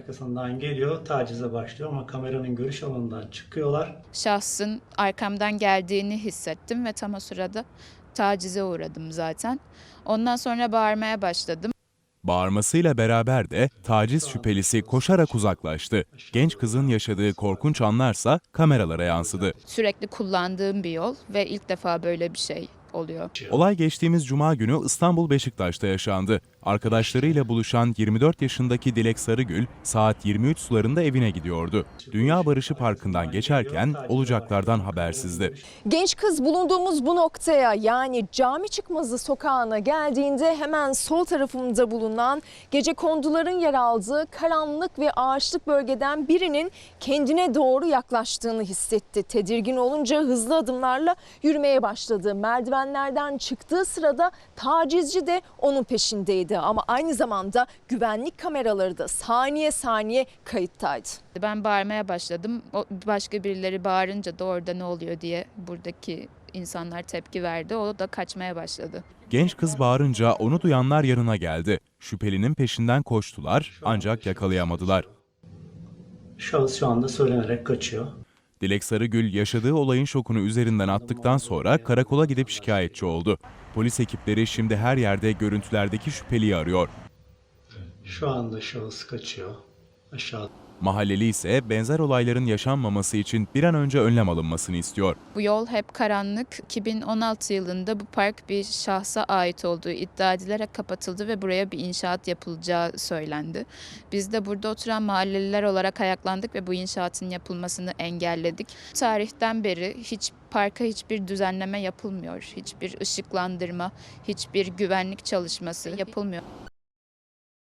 arkasından geliyor, tacize başlıyor ama kameranın görüş alanından çıkıyorlar. Şahsın arkamdan geldiğini hissettim ve tam o sırada tacize uğradım zaten. Ondan sonra bağırmaya başladım. Bağırmasıyla beraber de taciz şüphelisi koşarak uzaklaştı. Genç kızın yaşadığı korkunç anlarsa kameralara yansıdı. Sürekli kullandığım bir yol ve ilk defa böyle bir şey oluyor. Olay geçtiğimiz Cuma günü İstanbul Beşiktaş'ta yaşandı. Arkadaşlarıyla buluşan 24 yaşındaki Dilek Sarıgül saat 23 sularında evine gidiyordu. Dünya Barışı Parkı'ndan geçerken olacaklardan habersizdi. Genç kız bulunduğumuz bu noktaya, yani Cami Çıkmazı sokağına geldiğinde hemen sol tarafımda bulunan gecekonduların yer aldığı karanlık ve ağaçlık bölgeden birinin kendine doğru yaklaştığını hissetti. Tedirgin olunca hızlı adımlarla yürümeye başladı. Merdivenlerden çıktığı sırada tacizci de onun peşindeydi. Ama aynı zamanda güvenlik kameraları da saniye saniye kayıttaydı. Ben bağırmaya başladım. Başka birileri bağırınca da orada ne oluyor diye buradaki insanlar tepki verdi. O da kaçmaya başladı. Genç kız bağırınca onu duyanlar yanına geldi. Şüphelinin peşinden koştular ancak yakalayamadılar. Şahıs şu anda söylenerek kaçıyor. Dilek Sarıgül yaşadığı olayın şokunu üzerinden attıktan sonra karakola gidip şikayetçi oldu. Polis ekipleri şimdi her yerde görüntülerdeki şüpheliyi arıyor. Şu anda şahıs kaçıyor. Aşağı. Mahalleli ise benzer olayların yaşanmaması için bir an önce önlem alınmasını istiyor. Bu yol hep karanlık. 2016 yılında bu park bir şahsa ait olduğu iddia edilerek kapatıldı ve buraya bir inşaat yapılacağı söylendi. Biz de burada oturan mahalleliler olarak ayaklandık ve bu inşaatın yapılmasını engelledik. Tarihten beri parka hiçbir düzenleme yapılmıyor. Hiçbir ışıklandırma, hiçbir güvenlik çalışması yapılmıyor.